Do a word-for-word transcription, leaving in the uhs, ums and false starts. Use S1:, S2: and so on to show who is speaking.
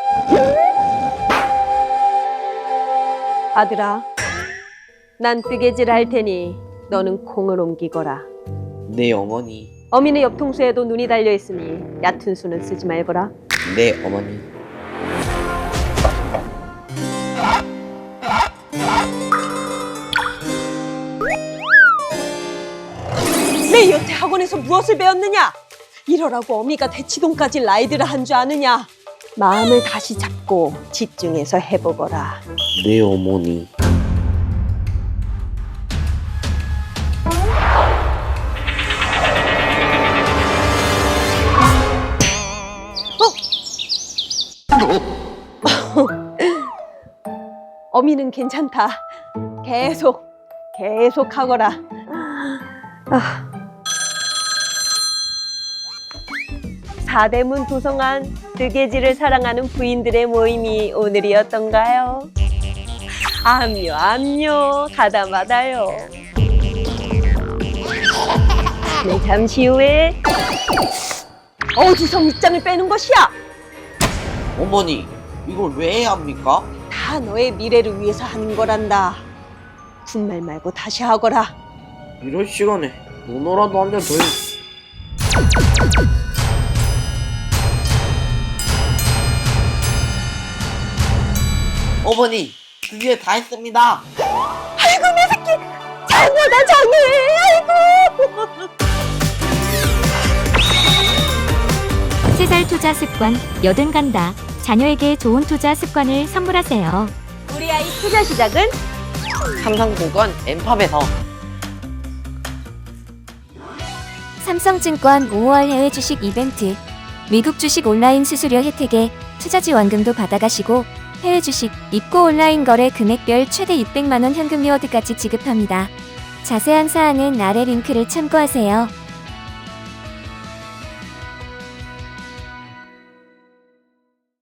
S1: 아들아, 난 뜨개질 할 테니 너는 콩을 옮기거라.
S2: 네, 어머니.
S1: 어미네 옆통수에도 눈이 달려있으니 얕은 수는 쓰지 말거라.
S2: 네, 어머니.
S1: 내 여태 학원에서 무엇을 배웠느냐? 이러라고 어미가 대치동까지 라이드를 한 줄 아느냐? 마음을 다시 잡고 집중해서 해보거라.
S2: 네, 어머니.
S1: 어미는 괜찮다. 계속, 계속 하거라. 아. 사대문 도성한 뜨개질을 사랑하는 부인들의 모임이 오늘이었던가요? 암요, 암요, 가다마다요. 네, 잠시 후에 어디서 밑장을 빼는 것이야?
S2: 어머니, 이걸 왜 해야 합니까?
S1: 다 너의 미래를 위해서 하는 거란다. 군말 말고 다시 하거라.
S2: 이런 시간에 논어라도 한 잔 더 해. 어머니, 드디어 다 했습니다.
S1: 아이고 내 새끼 장어다 장어. 아이고.
S3: 세 살 투자 습관 여든 간다. 자녀에게 좋은 투자 습관을 선물하세요.
S1: 우리 아이 투자 시작은
S2: 삼성증권 엠팝에서.
S3: 삼성증권 오월 해외 주식 이벤트. 미국 주식 온라인 수수료 혜택에 투자 지원금도 받아가시고 해외 주식 입고 온라인 거래 금액별 최대 육백만 원 현금 리워드까지 지급합니다. 자세한 사항은 아래 링크를 참고하세요.